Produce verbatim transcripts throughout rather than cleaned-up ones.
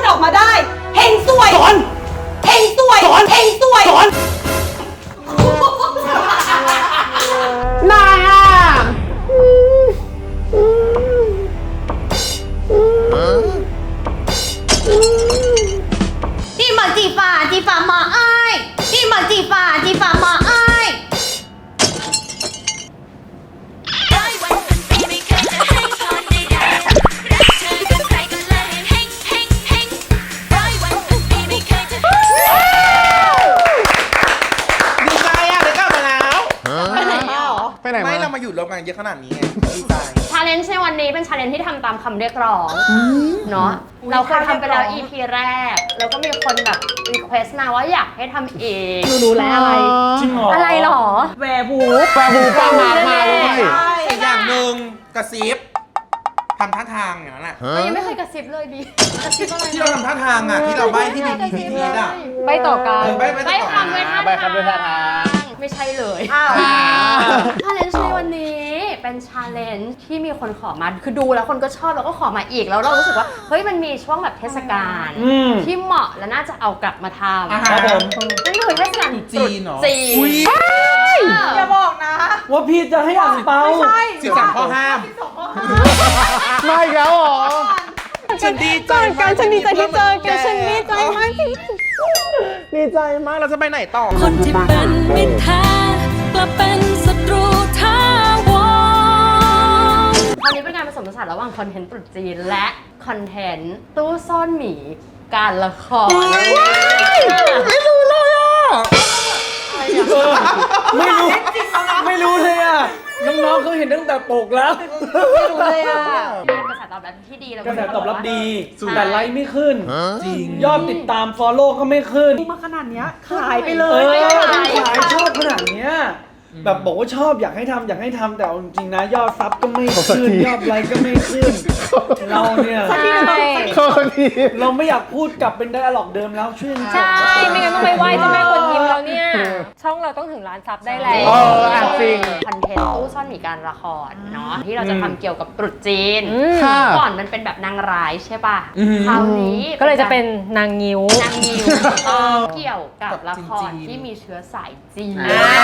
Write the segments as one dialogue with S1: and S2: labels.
S1: ออกมาได้เฮงสวย
S2: สอน
S1: เฮงสวย
S2: สอน
S1: เฮงสวย
S2: สอนนายอ่ะ
S3: ที่มาจีฟ้าจีฟ้ามาไอ้ที่มาจีฟ้าจีฟ้ามาไอ้
S2: ไปไหน
S4: ไม่
S2: มา
S4: เรามาอยู่รวมกันเยอะขนาดนี้ไงดีใจ
S3: ชาเลนจ์ในวันนี้เป็นชาเลนจ์ที่ทำตามคำเรียกร้องเนาะเราเคยทำไปแล้ว อี พี แรก แล้วก็มีคนแบบรีเควสต์มาว่าอยากให้ทำอีก
S1: หนูรู้แล้วอะไร
S2: จริงเหรอ
S3: อะไรหรอ
S1: แวร์วูฟ
S2: แฟบูป้ามามาด้วย
S4: อีกอย่างหนึ่งกระซิบทำท่าทางอย่างนั้นแหละ
S3: เรายังไม่เคยกระซิบเลยดิกระซิบอะไร
S4: ที่เราทำท่าทางอ่ะที่เราใบ้ที่มีพีพีทีอ่ะ
S3: ใบต่อกัน
S4: เออใบ้ใบ้ต่อกัน
S3: ใบคำด้วยท่า
S2: ใบ้คำด้วยท่าทาง
S3: ไม่ใช่เลย
S1: อ้าว
S3: ชาเลนจ์ในวันนี้เป็นชาเลนจ์ที่มีคนขอมาคือดูแล้วคนก็ชอบแล้วก็ขอมาอีกแล้วเรารู้สึกว่าเฮ้ยมันมีช่วงแบบเทศกาล
S2: อืม
S3: ที่เหมาะและน่าจะเอากลับมาทำ
S4: อ่า
S2: ค
S4: ฮะ
S2: รับผม
S3: นั่นคือเทศกาล
S4: จีนเหรอ
S3: จีน
S4: อุ๊ย
S1: อย่าบอกนะ
S2: ว่าพี่จะให้อ่างเปา
S1: ไม่ใช่
S4: สิบสามข้อห้าม
S1: สิบสองข้อห้าม
S2: ไม่อีกแล้วเหรอ
S4: ฉันดีใจ
S1: กันฉันดีใจที่เจอกันฉันดีใจมากที่
S2: ดีใจมาก
S4: มากเราจะไปไหนต่อ
S5: คนที่เป็นมิตรแท้กลับเป็นศัตรูท้าวร
S3: คราวนี้เป็นการผสมผสานระหว่างคอนเทนต์ตรุษจีนและคอนเทนต์ตู้ซ่อนหมีการละคร
S4: ไม่รู้เลยอ่ะ
S2: ไม่รู้ ไม่รู้เลยอ่ะ น้องๆเขาเห็นตั้งแต่ปกแล้ว
S3: ไม่รู้เลยอ่ะมีกระแสตอบรับที่ดีแล้ว
S2: กระแสตอบรับดี
S3: ใช่
S2: แต่ไลค์ไม่ขึ้น
S4: จริง
S2: ยอดติดตาม follow ก็ไม่ขึ้น
S1: มาขนาดเนี้ยขายไปเล
S2: เอย อ
S1: ไม่
S2: ขาย
S1: ขาย
S2: ชอบขนาดเนี้ยแบบบอกว่าชอบอยากให้ทำอยากให้ทำแต่เอาจริงๆนะยอดซับก็ไม่ขึ้น ยอดไลค์ก็ไม่ขึ้น เราเนี่ย
S1: สักทีหนึ่ง
S2: เราไม่อยากพูดกลับเป็นไดอะล็อกเดิมแล้วช่วย
S6: ใช่ ไม่งั้นต้องไปไหว้เจ้าแม่กวนอิมแล้วเนี่ย ช่องเราต้องถึงล้านซับได้แล้ว
S2: เอออ่ะจริง
S3: คอนเทนต์ตู้ซ่อนหมีการละครเนาะที่เราจะทำเกี่ยวกับตรุษจีน
S2: ค่ะ
S3: ก่อนมันเป็นแบบนางร้ายใช่ป่ะ
S4: อืม
S3: คราวนี้
S6: ก็เลยจะเป็นนางงิ้ว
S3: นางงิ้วต้องเกี่ยวกับละคร
S4: จีนๆ
S3: ที่มีเชื้อสายจีน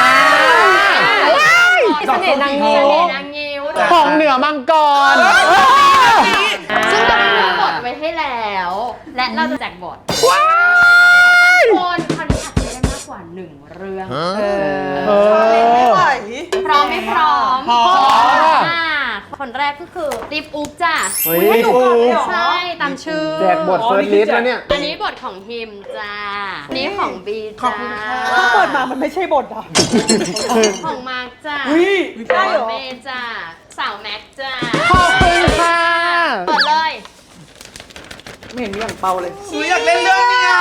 S6: เสน่ห์นางงิ้ว
S3: เสน่ห์นางงิ้ว
S2: ของเหนือมังกร
S3: ซึ่งเราได้เลือกบทไว้ให้แล้ว และเราจะแจกบทคนคราวนี้อาจจะได้มากกว่าหนึ่งเรื่อง
S2: เอ
S1: ไม่ไหว
S3: พร้อมไม่พร้อม
S2: พร้อม
S3: อ่าคนแรกก็คือติ๊บอุ๊บจ้ะ
S2: เฮ้ย
S1: ให้หนูก่อนเลยเหรอ
S3: ใช่ตามชื่อ
S2: แจกบทเฟิร์สลิสต์แล้วเนี่ย
S3: อันนี้บทของฮิมจ้าอันนี้ของบี
S4: ขอบ
S3: จ้า
S4: คุณค่ะ
S1: ถ้าเปิดมามันไม่ใช่บทอ่ะ
S3: ของมาร์กจ้า
S2: อุ้ย
S1: ได้เหรอ
S3: เมย์จ้าสาวแม็กจ้า
S2: ขอบคุณค่ะ
S3: เปิดเลย
S2: ไม่เห็นมีอ่างเปาเลย
S4: อุ๊ยอยากเล่นเรื่องเนี้ย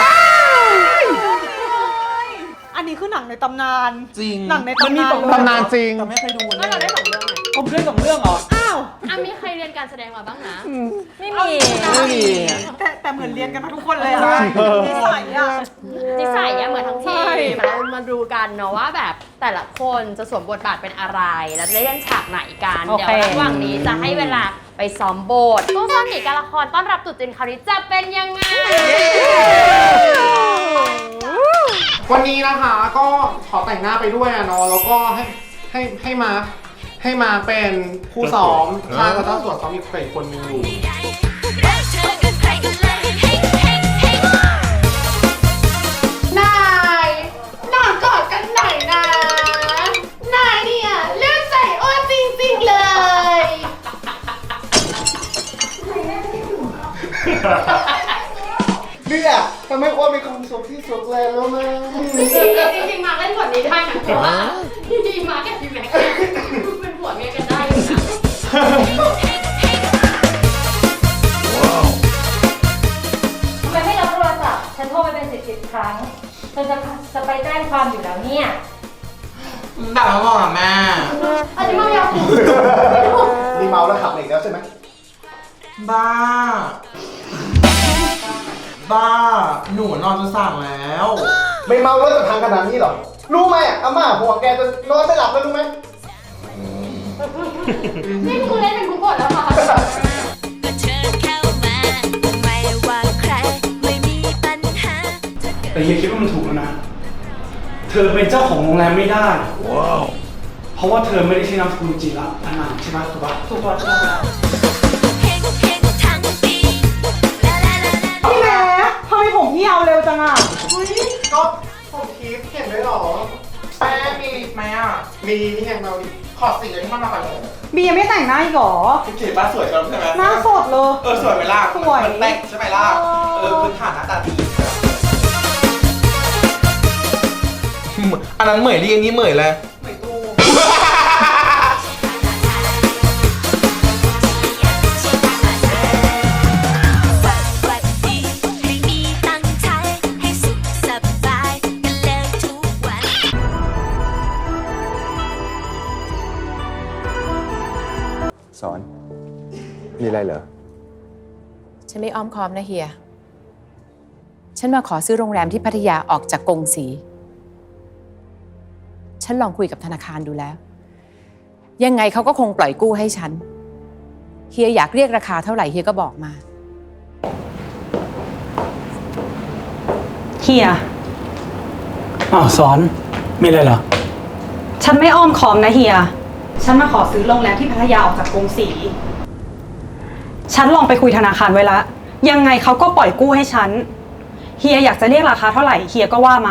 S1: อันนี้คือหนังในตำนาน
S4: จริง
S1: หนังใน
S2: มันมี
S1: ตำนาน
S2: สองตำนานจริง
S4: แต่ไม่เคยดู
S3: ก็เราได้สองเรื่องไง
S2: ผมเล่นสองเรื่องเหรอ
S1: อ้าว
S3: อ่ะมีใครเรียนการแสดงมาบ้างนะ
S6: ไม่มี
S2: ไม่มี
S1: แต่แต่เหมือนเรียนกันมาทุกคนเลยอะนิสัยอะ
S3: นิสัยอะเหมือนทั้งที
S1: ใช่
S3: มแล้วมาดูกันเนาะว่าแบบแต่ละคนจะสวมบทบาทเป็นอะไร แล้วจะได้เล่นฉากไหนกัน
S6: โอ
S3: เดี๋ย
S6: เค
S3: วระหว่างนี้จะให้เวลาไปซ้อมบทตู้ซ่อนหมีการละครต้อนรับตรุษจีนคราวนี้จะเป็นยังไง
S2: วันนี้นะคะก็ขอแต่งหน้าไปด้วยอะเนาะแล้วก็ให้ให้ให้มาให้มาเป็นผู้ซ้อมใช่เพราะต้องสวดซ้อมอีกอีกคนนึงอยู่
S3: นายนอนกอดกันหน่อยนะ นายเนี่ยเลือกใส่อ้วนจริงๆเลย
S2: เนี่ยทำให้อ้วนมีความสุขที่สุดเลยรู้ไหม
S3: จริงๆมาเล่นบทนี้ได้นะเพราะว่าจริงๆมากับพี่แม็กซ์เนี่ยเป็นผัวเมียกันได้อยู่นะ
S6: ทำไมไม่รับโทรศัพท์ ฉันโทรไปเป็นสิบสิบครั้งฉันจะจะไปแจ้งความอยู่แล้วเนี่ย
S4: ด่ามาบอกอ่ะแม่
S3: อันนี้มายาว
S2: มีเมาแล้วขับอีกแล้วใช่ไหม
S4: บ้า บ้า หนูนอนจนสั่งแล้ว
S2: ไม่เมาแล้วจะทางขนาดนี้หรอ รู้ไหมอ่ะอาม่าหัวแกจะนอนไม่หลับแล้วรู้ไหม
S3: นี่คือเล่นเป็นทุกบทแล้วค่ะ
S5: ก็เชิญเข้ามาไม่ว่าใคร
S7: เฮียคิดว่ามันถูกแล้วนะ เธอเป็นเจ้าของโรงแรมไม่ได้ว้าวเพราะว่าเธอไม่ได้ใช้นามสกุลจีระอันนั้นใช่ไหมถูกปะถูกปะถูกปะ
S1: พี่แม่ทำไมผมพี่เอาเร็วจังอ่ะ
S2: เฮ้ยก็ผมทิพย์เห็นด้วยเหรอแป้งมีไหมอ่ะมีนี่ไงเราดิขอสีที่มันมาก่อนเลย
S1: บียังไม่แต่งหน้าอีกเหรอ
S4: พี่เก๋ป้าสวยจังใช่ไหม
S1: หน้าสดเลย
S4: เออสวยไหมล่ะ
S1: สวย
S4: มันแต่งใช่ไหมล่ะ
S1: เออ
S4: เออพื้นฐานหน้าตาดีอันนั้นเหมยเรียงนี้เหมยเลย
S2: ไม่ตู้
S8: สอน มีอะไรเหรอ
S9: ฉันไม่อ้อมค้อมนะเฮีย ฉันมาขอซื้อโรงแรมที่พัทยาออกจากกงสี ฉันลองคุยกับธนาคารดูแล้ว ยังไงเขาก็คงปล่อยกู้ให้ฉัน เฮียอยากเรียกราคาเท่าไหร่เฮียก็บอกมา
S1: เฮีย
S7: อ้าวสอน มีอะไรเหรอ
S1: ฉันไม่อ้อมค้อมนะเฮีย ฉันมาขอซื้อโรงแรมที่พัทยาออกจากกรุงศรี ฉันลองไปคุยธนาคารไว้ละ ยังไงเขาก็ปล่อยกู้ให้ฉัน เฮียอยากจะเรียกราคาเท่าไหร่เฮียก็ว่ามา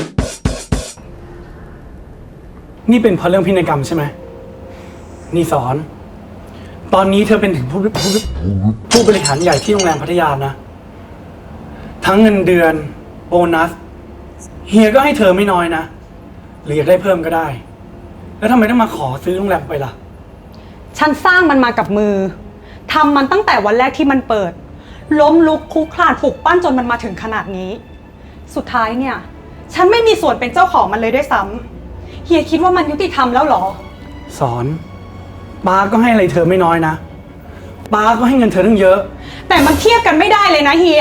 S7: นี่เป็นเพราะเรื่องพินัยกรรมใช่ไหม นี่สอน ตอนนี้เธอเป็นถึงผู้ผู้ผู้บริหารใหญ่ที่โรงแรมพัทยานะ ทั้งเงินเดือน โบนัส เฮียก็ให้เธอไม่น้อยนะ หรืออยากได้เพิ่มก็ได้ แล้วทำไมต้องมาขอซื้อโรงแรมไปล่ะ
S1: ฉันสร้างมันมากับมือ ทำมันตั้งแต่วันแรกที่มันเปิด ล้มลุกคลุกคลานปลุกปั้นจนมันมาถึงขนาดนี้ สุดท้ายเนี่ย ฉันไม่มีส่วนเป็นเจ้าของมันเลยด้วยซ้ำเฮียคิดว่ามันยุติธรรมแล้วเหรอ
S7: สอนป้าก็ให้อะไรเธอไม่น้อยนะป้าก็ให้เงินเธอตั้งเยอะ
S1: แต่มันเทียบกันไม่ได้เลยนะเฮีย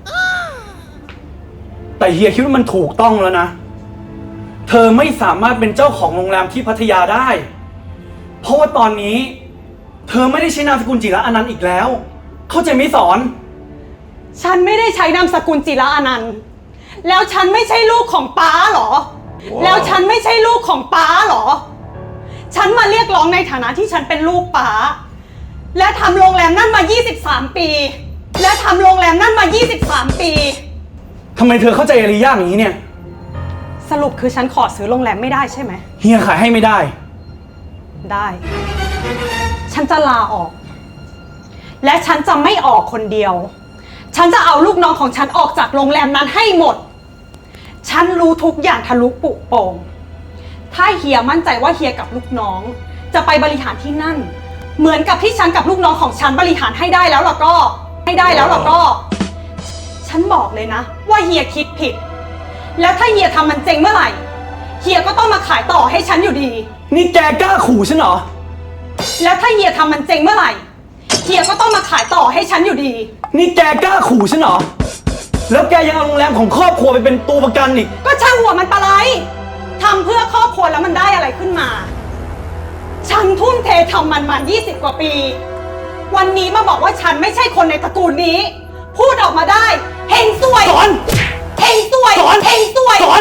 S7: แต่เฮียคิดว่ามันถูกต้องแล้วนะ เธอไม่สามารถเป็นเจ้าของโรงแรมที่พัทยาได้ เพราะว่าตอนนี้ เธอไม่ได้ใช้นามสกุลจิระอนันต์อีกแล้ว เข้าใจไหมสอน
S1: ฉันไม่ได้ใช้นามสกุลจิระอนันต์ แล้วฉันไม่ใช่ลูกของป้าเหรอ wow. แล้วฉันไม่ใช่ลูกของป้าเหรอ ฉันมาเรียกร้องในฐานะที่ฉันเป็นลูกป้า และทำโรงแรมนั่นมายี่สิบสามปี และทำโรงแรมนั่นมายี่สิบสามปี
S7: ทำไมเธอเข้าใจอะไรยากอย่างนี้เนี่ย
S1: สรุปคือฉันขอซื้อโรงแรมไม่ได้ใช่ไหม
S7: เฮียขายให้ไม่ได้
S1: ได้ ฉันจะลาออก และฉันจะไม่ออกคนเดียว ฉันจะเอาลูกน้องของฉันออกจากโรงแรมนั้นให้หมด ฉันรู้ทุกอย่างทะลุปุโป่ง ถ้าเฮียมั่นใจว่าเฮียกับลูกน้อง จะไปบริหารที่นั่น เหมือนกับที่ฉันกับลูกน้องของฉันบริหารให้ได้แล้วล่ะก็ให้ได้แล้วล่ะก็ ฉันบอกเลยนะว่าเฮียคิดผิด แล้วถ้าเฮียทำมันเจ๊งเมื่อไหร่ เฮียก็ต้องมาขายต่อให้ฉันอยู่ดี
S7: นี่แกกล้าขู่ฉันเหรอ
S1: แล้วถ้าเฮียทำมันเจ๊งเมื่อไหร่ เฮียก็ต้องมาขายต่อให้ฉันอยู่ดี
S7: นี่แกกล้าขู่ฉันเหรอ แล้วแกยังเอาโรงแรมของครอบครัวไปเป็นตัวประกันอีก
S1: ก็ช่างหัวมันปะไรทำเพื่อครอบครัวแล้วมันได้อะไรขึ้นมา ฉันทุ่มเททำมันมายี่สิบกว่าปี วันนี้มาบอกว่าฉันไม่ใช่คนในตระกูลนี้ พูดออกมาได้เฮงซวย
S7: สอน
S1: เฮงซวย
S7: สอน
S1: เฮงซวย
S7: สอน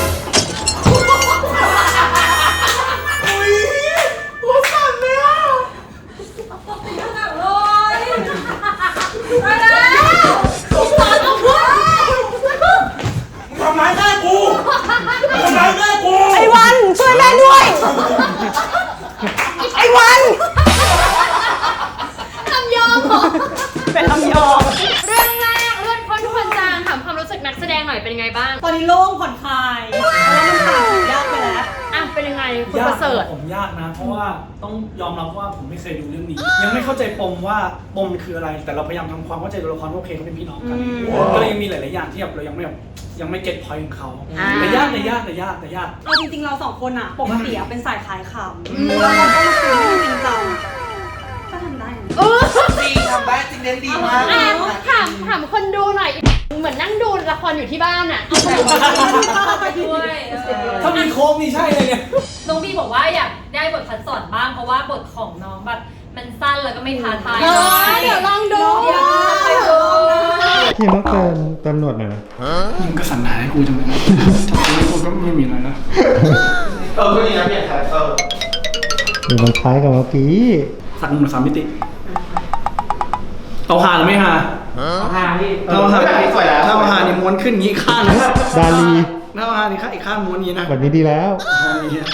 S4: ทำร้ายแม่กูทำร้ายแม่กู
S1: ไอ้วันช่วยแม่ด้วย ไอ้วัน
S3: ลำยองเหรอ
S1: เป็นลำยอง
S3: เรื่องแรกเลื่อนพ้นทุกคนจางถามความรู้สึกนักแสดงหน่อยเป็นยังไงบ้าง
S1: ตอนนี้โล่งผ่อนคลายเพราะว่ามันผ่านยากไปแล้ว
S3: อ่ะเป็นยังไงคุณ
S7: ยา
S3: ป
S7: ก
S3: ระเสริฐ
S7: ผมยากนะ เพราะว่าต้องยอมรับว่าผมไม่เคยดูเรื่องนี้ ยังไม่เข้าใจปมว่าปมมันคืออะไร แต่เราพยายามทำความเข้าใจตัวละครว่าโอเคเขาเป็นพี่น้องกัน ก็เลยยังมีหลายๆอย่างที่แบบเรายังไม่แบบยังไม่เก็ตพอยต์ของเขา
S3: อ่า
S7: แต่ยากแต่ยากแต่ยากแต่ยาก
S1: เอาจริงๆเราสองคนอะปกติอะเป็นสายขายขำแล้วเราก็มาคุยเรื่องจริงจังก็ทำได้นะ
S3: เออ
S4: ดีทำได้จริงเน้นดีมาก
S3: อ่ะถามถามคนดูหน่อย เหมือนนั่งดูละครอยู่ที่บ้านอ่ะ
S6: ไปด้วย
S7: ถ้ามีโค้งนี่ใช่เลยเนี่ย
S6: น้องบีบอกว่าอยากได้บทคัดสอนบ้างเพราะว่าบทของน้องแบบมันสั้นแล้วก็ไม่ท้าทาย
S3: เออเดี๋ยวลองดู
S6: อยากให้ดู
S2: พี่ต้องเติมเติมหนวดหน่อยนะ
S7: มึงก็สั่งหาให้กูจังเลยนะจับกูให้กูก็ไม่มีอะไรนะ
S4: เออก็ดีนะเปลี่ยนคาแรคเตอร์
S2: เดี๋ยวมันคล้ายกับเมื่อกี้
S7: สั่งหนึ่งสามมิติ เอาหาหรือไม่หา
S4: หาพี่
S7: ถ้าเอาหา
S4: แบบนี้สวยแล้ว
S7: ถ้าเอาหานี่ม้วนขึ้นงี้ข้างนะ
S2: ดาลี
S7: ถ้าเอาหานี่ข้างอีกข้างม้วนงี้นะ
S2: แบบนี้ดีแล้ว
S7: เอาอย่างเงี้ย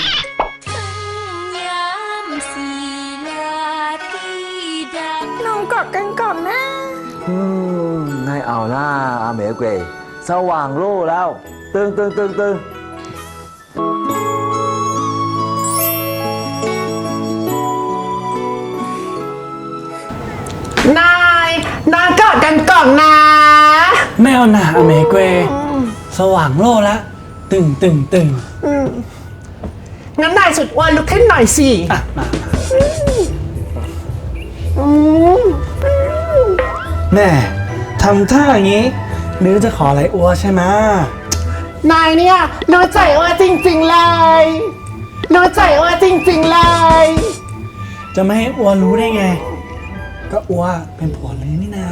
S5: น้องกอดกันก่อนนะ
S8: อืมให้เอาหน้าอาเหมเกยสว่างโล่แล้ว ตึงตึงตึงตึง
S2: นายนายกอดกันก่อนนะ
S7: ไม่เอาหนาอเมเกวสว่างโลละ ตึงตึงตึง
S2: งั้นนายสุดอ้วนลุกขึ้นหน่อยสิ
S7: อ่ะมาแม่ทำท่าอย่างนี้ หรือจะขออะไรอัวใช่ไหม
S2: นายเนี่ยรู้ใจว่าจริงๆเลยรู้ใจว่าจริงๆเลย
S7: จะไม่ให้อัวรู้ได้ไง ก็อัวเป็นผัวลือนี่นา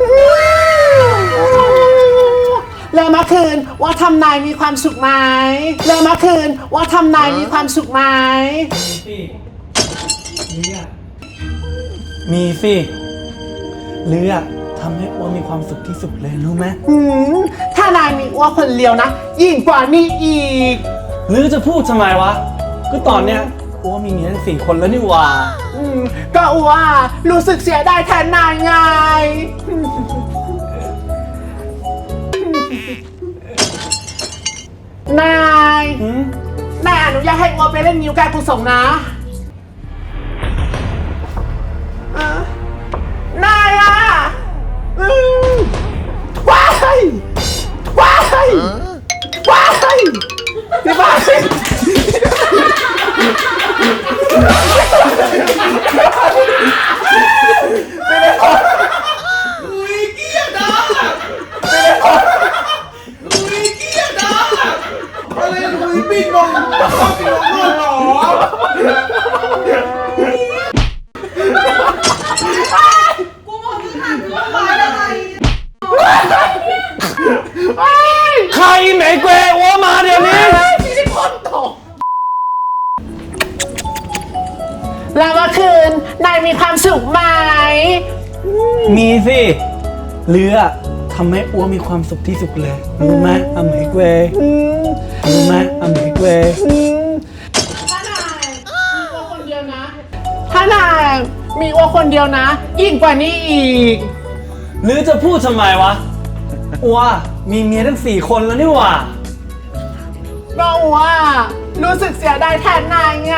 S2: แล้วเมื่อคืนว่าทำนายมีความสุขไหมแล้วเมื่อคืนว่าทำนายมีความสุขไหม
S7: มีสิมีสิหรืออะทำให้อัวมีความสุขที่สุดเลยรู้ไหม
S2: หืมถ้านายมีอ้วคนเดียวนะยิ่งกว่านี้อีก
S7: หรือจะพูดทำไมวะ ก็ตอนเนี้ยอัวมีเมียทั้งสี่คนแล้วนี่หว่า
S2: อืมก็อ้วรู้สึกเสียดายแทนนายไง นาย
S7: หืม
S2: นายอนุญาตให้อ้วไปเล่นนิ้วการกุศลนะอ่ะนายอ่ะอืมว้ายว้ายว้ายพี่บ้า
S4: อะไรคุยปิ้งลงปิ้งลงด้วยเหรอ
S7: ใครแหมเกวอัวมาเดี๋ยวนี้
S2: แล้วเมื่อคืนนายมีความสุขไหม
S7: มีสิหรืออะทำให้อัวมีความสุขที่สุดเลยรู้ไหมอเมเกวรู้ไหมอเมเกว
S2: ถ้านายมีอ้วคนเดียวนะ ถ้านายมีอ้วคนเดียวนะยิ่งกว่านี้อีก
S7: หรือจะพูดทำไมวะอัวมีเมียทั้งสี่คนแล้วนี่หว่า
S2: ก็ว่ารู้สึกเสียดายแทนนายไง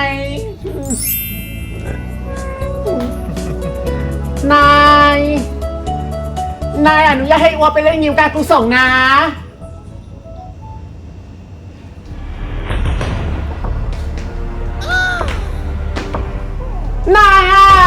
S2: นาย นายอนุญาตให้อ้วไปเล่นยิวการกุศลนะ นายอ่ะ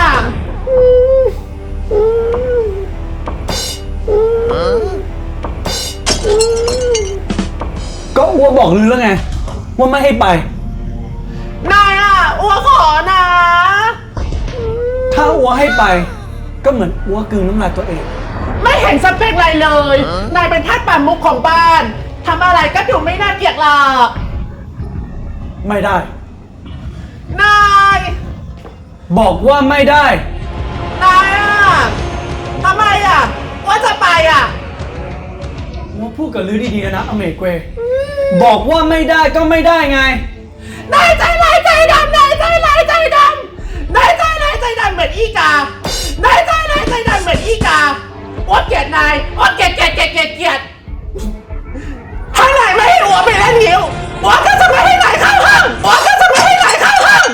S7: ก็อัวบอกลือแล้วไง ว่าไม่ให้ไป
S2: นายอ่ะอ้วขอนะ
S7: ถ้าอัวให้ไป ก็เหมือนอัวกลืนน้ำลายตัวเอง
S2: ไม่เห็นสเปคอะไรเลย นายเป็นทาสป่ามุกของบ้าน ทำอะไรก็ดูไม่น่าเกลียดหรอก
S7: ไม่ได้
S2: นาย
S7: บอกว่าไม่ได้
S2: นายอ่ะทำไมอ่ะ ว่าจะไปอ่ะ
S7: อัวพูดกับลือดีๆนะอเมเกวบอกว่าไม่ได้ก็ไม่ได้ไง
S2: นายใจร้ายใจดำนายใจร้ายใจดำนายใจร้ายใจดำเหมือนอีกานายใจร้ายใจดำเหมือนอีกาอ้วนเกลียดนายอ้วนเกลียดเกลียดเกลียดเกลียดเกลียดถ้านายไม่ให้อ้วนไปเล่นนิ้วอ้วนก็จะไม่ให้นายเข้าห้องอ้วนก็จะไม่ให้นายเข้าห้อง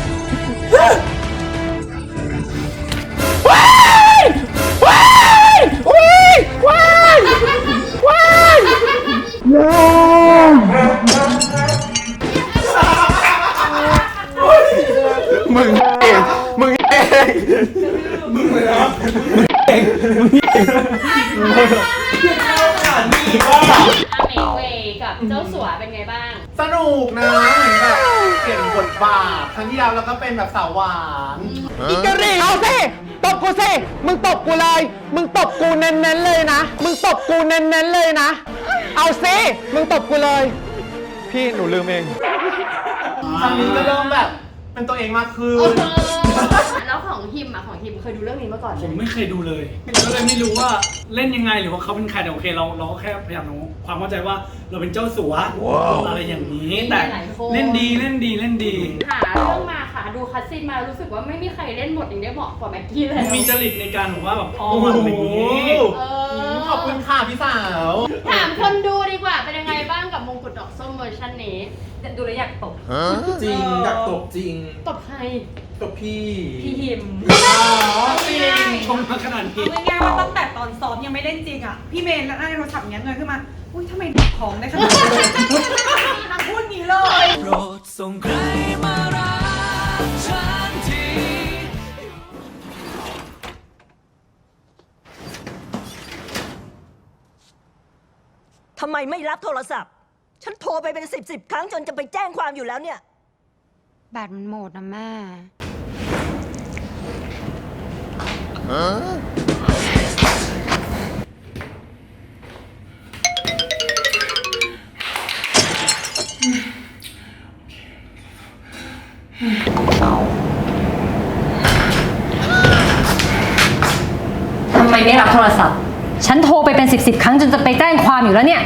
S2: ว้ายว้ายว้ายว้ายว้ายมึงเองมึงเองมึงเลยนะเองมึงเอง
S3: อาเมเวกับเจ้าสัวเป็นไงบ้าง
S2: สนุกนะเหมือนแบบเปลี่ยนบทบาทครั้งที่แล้วเราก็เป็นแบบสาวหวานอีกกะหรี่เอาสิไปตบกูสิ มึงตบกูเลย มึงตบกูเน้นๆเลยนะ มึงตบกูเน้นๆเลยนะ เอาสิ มึงตบกูเลย พี่หนูลืมเอง
S4: ครั้งนี้ก็เริ่มแบบเป็นตัวเองมากขึ้น
S3: แล้วของฮิมอะของฮิมเคยดูเรื่องนี้มาก่อนไห
S7: ผมไม่เคยดูเลยก็เลยไม่รู้ว่าเล่นยังไงหรือว่าเขาเป็นใครแต่โอเคเราเราก็แค่พยายามรู้ความเข้าใจว่าเราเป็นเจ้าสัวอะไรอย่างนี้แต่เล่นดีเล่นดีเล่นดี
S3: หาเรื่องมาค่ะดูคัสซีนมารู้สึกว่าไม่มีใครเล่นบทอย่างนี้เหมาะกว่าแม็กกี้เลย
S7: มีจริตในการแบบว่าแบบอ้อมอะไรอย่างนี้
S3: เออ
S4: ขอบคุณค่ะพี่สาว
S3: ถามคนดูดีกว่าเป็นยังไงบ้างกับมงกุฎดอกส้มเวอร์ชันนี้ดูแล้วอยากตบ
S4: จริงอยากตบจริง
S3: ตบใคร
S4: ตบพี่
S3: พี่ฮิม
S7: จริงชมมาขนาดนี้
S1: เอาง่ายๆว่าตั้งแต่ตอนซ้อมยังไม่เล่นจริงอ่ะ พี่เมย์แล้วในโทรศัพท์เงี้ยเงยขึ้นมา อุ้ยทำไมของได้ขนาดนี้นางพูดงี้เลย
S5: โปรดส่งใครมารักฉันที
S10: ทำไมไม่รับโทรศัพท์ ฉันโทรไปเป็นสิบสิบครั้งจนจะไปแจ้งความอยู่แล้วเนี่ย
S3: แบตมันหมดนะแม่
S6: ทำไมไม่รับโทรศัพท์ ฉันโทรไปเป็นสิบสิบครั้งจนจะไปแจ้งความอยู่แล้วเนี่ย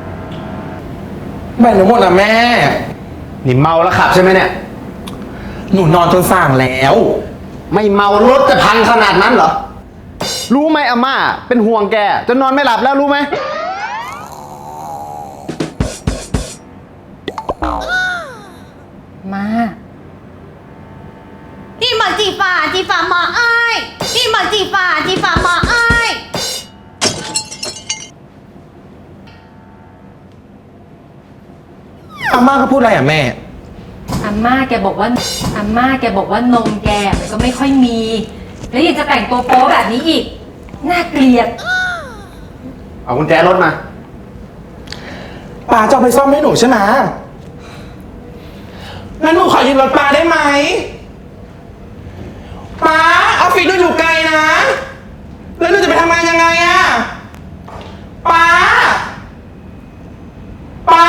S2: แบ่งหนูหมดนะแม่ นี่เมาแล้วขับใช่ไหมเนี่ย
S4: หนูนอนจนส่างแล้ว
S2: ไม่เมารถจะพังขนาดนั้นเหรอ รู้ไหมอาม่า เป็นห่วงแกจนนอนไม่หลับแล้วรู้ไหม
S6: มา
S1: ที่มาจีฝ่าจีฝ่ามาอ้ายที่มาจีฝ่าจีฝ่ามาอ้าย
S4: อาม่าเขาพูดอะไรอ่ะแม่
S6: อาม่าแกบอกว่าอาม่าแกบอกว่านมแกมันก็ไม่ค่อยมี แล้วยังจะแต่งตัวโป๊แบบนี้อีก น่าเกลียด
S2: เอากุญแจรถมา
S4: ป้าจะเอาไปซ่อมให้หนูใช่ไหมงั้นหนูขอยืมรถป้าได้ไหมป้าออฟฟิศหนูอยู่ไกลนะ แล้วหนูจะไปทำงานยังไงอะป้าป้า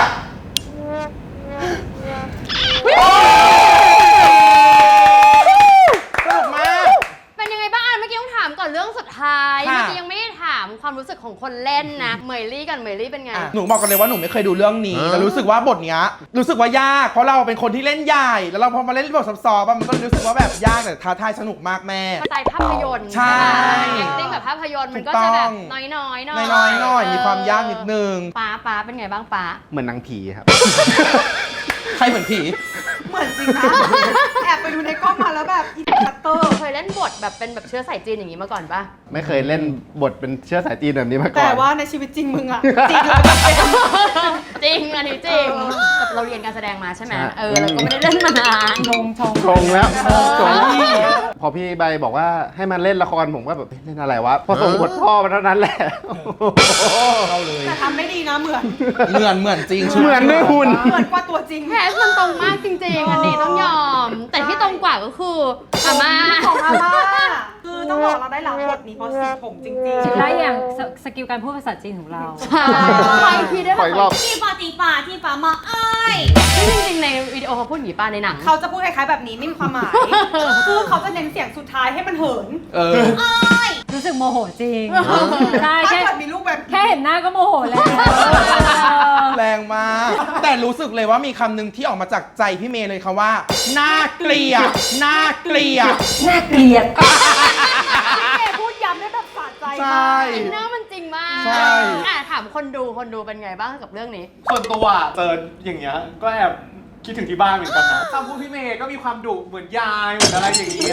S4: สนุกมาก
S3: เป็นยังไงบ้างอ่ะเมื่อกี้ต้องถามก่อนเรื่องสุดท้าย
S4: ค่ะ
S3: เมื่อกี้ยังไม่ได้ถามความรู้สึกของคนเล่นนะเหมยลี่กันเหมยลี่เป็นไง
S4: หนูบอกกันเลยว่าหนูไม่เคยดูเรื่องนี้แต่รู้สึกว่าบทเนี้ยรู้สึกว่ายากเพราะเราเป็นคนที่เล่นใหญ่แล้วเราพอมาเล่นบทซับซ้อนๆมันก็รู้สึกว่าแบบยากแต่ท้าทายสนุกมากแม่
S3: สไตล์ภาพยนตร์
S4: ใช่
S3: แอคติ้งแบบภาพยนตร์มันก็
S4: ถูกต้
S3: จะ
S4: อง
S3: แบบน้อยๆหน่อย
S4: น้อยๆหน่อยมีความยากนิดนึง
S3: ป้าป้าเป็นไงบ้างป้า
S2: เหมือนนางผีครับ
S4: ใครเหมือนผี
S1: เหมือนจริงนะ แอบไปดูในกล้องมาแล้วแบบอินคัตเตอร์
S3: เคยเล่นบทแบบเป็นแบบเชื้อสายจีนอย่างนี้มาก่อนปะ
S2: ไม่เคยเล่นบทเป็นเชื้อสายจีนแบบนี้มาก่อน
S1: แต่ว่าในชีวิตจริงมึงอะจริงแล้วก็เป็น
S3: จริงอันนี้จริงแต่เราเรียนการแสดงมาใช่ไหมเออเราก็ไม่ได้เล่นมานาน
S1: ชงชง
S2: ตรงแล้ว
S3: เออ
S2: ตรงพอพี่ใบบอกว่าให้มันเล่นละครผมก็แบบเล่นอะไรวะ พอส่งบทพ่อมาเท่านั้นแหละ
S4: เข้าเลย
S1: แต่ทำได้ดีนะเหมือน
S4: เหมือนเหมือนจริง
S2: เหมือนด้วยหุ่น
S1: เหมือนกว่าตัวจริง
S3: แคสมันตรงมากจริงๆ อันนี้ต้องยอม แต่ที่ตรงกว่าก็คืออาม่า
S1: ของอาม่าคือต้องบอกเราได้รับบทนี้เพราะสีผมจริงๆ
S6: ได้อย่างสสกิลการพูดภาษาจีนของเรา
S3: ใช่ขออีกทีได้ไห
S2: ข
S3: ม
S2: ออีกรอบ
S1: ที่ฝ่าตีฝ่าที่ฝ่ามาอ้าย
S3: ซึ่งจริงๆ ในวิดีโอเขาพูดอย่างนี้ป้าในหนัง
S1: เขาจะพูดคล้ายๆแบบนี้ไม่มีความหมายคือเขาจะเน้นเสียงสุดท้ายให้มันเหิน
S4: เออ
S6: รู้สึกโมโหจริง ใช่
S1: ถ้า
S6: แค่
S1: เกิดมีลูกแบบ
S6: แค่เห็นหน้าก็โมโหแล้ว
S4: แรงมาก แต่รู้สึกเลยว่ามีคำหนึ่งที่ออกมาจากใจพี่เมย์เลยค่ะว่า น่าเกลียด น่าเกลียด
S6: น่าเกลียด
S1: แกพูดย้ำได้แบบสะใจ
S4: ใช่
S1: มาก
S3: อินเนอร์มันจริงมาก
S4: ใช่
S3: อ่ะถามคนดูคนดูเป็นไงบ้างกับเรื่องนี้
S11: ส่วนตัวเจออย่างเงี้ยก็แอบคิดถึงที่บ้านเหมือนกันนะคำพูดพี่เมย์ก็มีความดุเหมือนยายเหมือนอะไรอย่างเงี้ย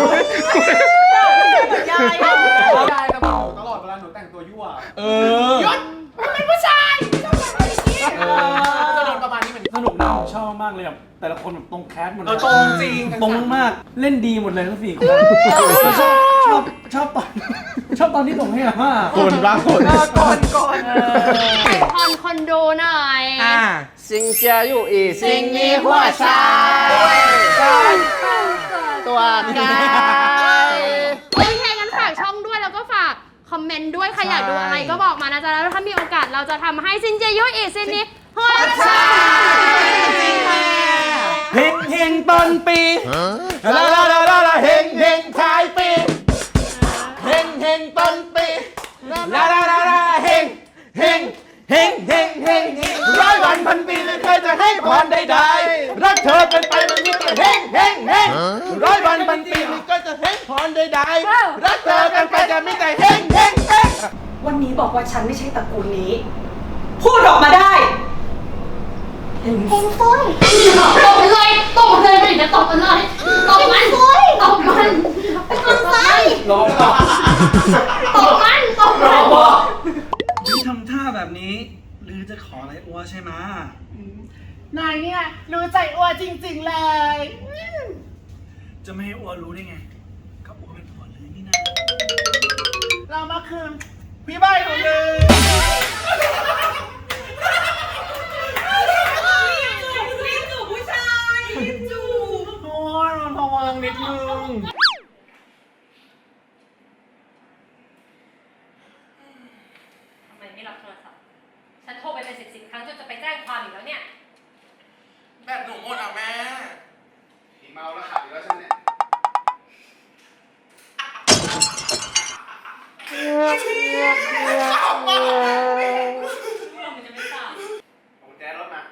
S1: เหมือนยายอะ
S11: ยายกับหนูตลอดเวลาหนูแต่งตัวยั่ว
S4: เออ
S11: ยศ
S1: เป็นผู้ชายชอบแบบนี้
S11: เออจะโดนประมาณนี้เหมือน
S7: สนุกนะผมชอบมากเลยแบบแต่ละคนแบบตรงแคสหมดเล
S11: เออย ตรงจริง
S7: ตรงมากเล่นดีหมดเลยทั้งสี่คนแล้วชอบชอบชอบตอนชอบตอนที่ส่งให้อาม่า
S4: คนรักคน
S1: ก่อนก่อน
S3: คอนคนดูหน่อย
S4: อ่า
S2: ซิงเจียอยู่อีซิงมีหัวใจตัวกาย
S3: โอเคงั้นฝากช่องด้วยแล้วก็ฝากคอมเมนต์ด้วยใครอยากดูอะไรก็บอกมานะจ๊ะแล้วถ้ามีโอกาสเราจะทำให้ซินเจยุอีกซินนี้ฮอยนะจ๊ะ
S4: เฮงเฮงต้นปีลาลาลาลาลาเฮงเฮงท้ายปีเฮงเฮงต้นปีลาลาลาลาเฮงเฮงเฮงเฮงเฮงเฮงร้อยวันพันปีไม่เคยจะให้พรใดๆรักเธอเป็นไปมันมีแต่เฮงเฮงเฮงร้อยวันพันปีไม่เคยจะให้พรใดๆรักเธอเป็นไปจะมีแต่เฮงเฮงเฮง
S1: วันนี้บอกว่าฉันไม่ใช่ตระกูลนี้ พูดออกมาได้
S3: เฮงฟุ้ยตบมันเลยตบมันเลยไม่จะตบมันเลยตบมันตบมันตบมัน
S11: รอก่อน
S3: ตบมันตบ
S11: ร
S3: มั
S11: อน ก่อน
S7: หรือทำท่าแบบนี้ หรือจะขออะไรอัวใช่ไหม
S2: นายเนี่ยรู้ใจอ้วนจริงๆเลย
S7: จะไม่ให้อัวรู้ได้ไง ก็อัวเป็นผัวเลยนี่นะ
S2: เรามาคืนพี่ใบของเลย โอ้ยมันพวังนิดนึง
S6: ทำไมไม่รับโทรศัพท์ ฉันโทรไปเป็นสิบสิบครั้งจนจะไปแจ้งความอีกแล้วเนี่ย
S4: แบบหนูหมดอ่ะแม่
S11: ผีเมาแล้วขับอีกแล้วฉันเนี่ยผมแจ๊รถมา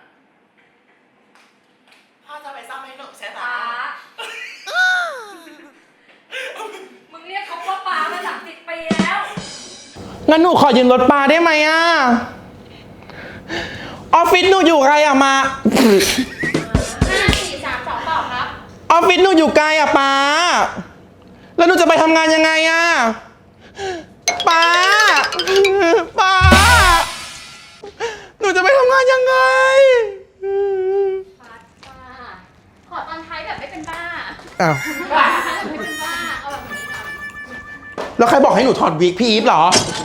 S2: พ่อจะไปซ่อมให้หนูใช่ไหม
S6: มึงเรียกเขาว่าป้ามาสามสิบปีแล้ว
S4: งั้นหนูขอยืมรถปลาได้ไหมอ่ะ ออฟฟิศหนูอยู่ไกลอ่ะมา
S3: ห้าสี่สามสองตอบครับ
S4: ออฟฟิศหนูอยู่ไกลอ่ะป้า แล้วหนูจะไปทำงานยังไงอ่ะป้าป้า หนูจะไปทำงานยังไง
S3: ป้าป้าขอตอนท้ายแบบไม่เป็นบ้า
S4: อ้าว
S3: ตอนท้ายแบบไม่เป็นบ้าเอาแบบนี้ก่อน
S4: แล้วใครบอกให้หนูถอดวิกพี่อีฟเหรอ
S3: ไ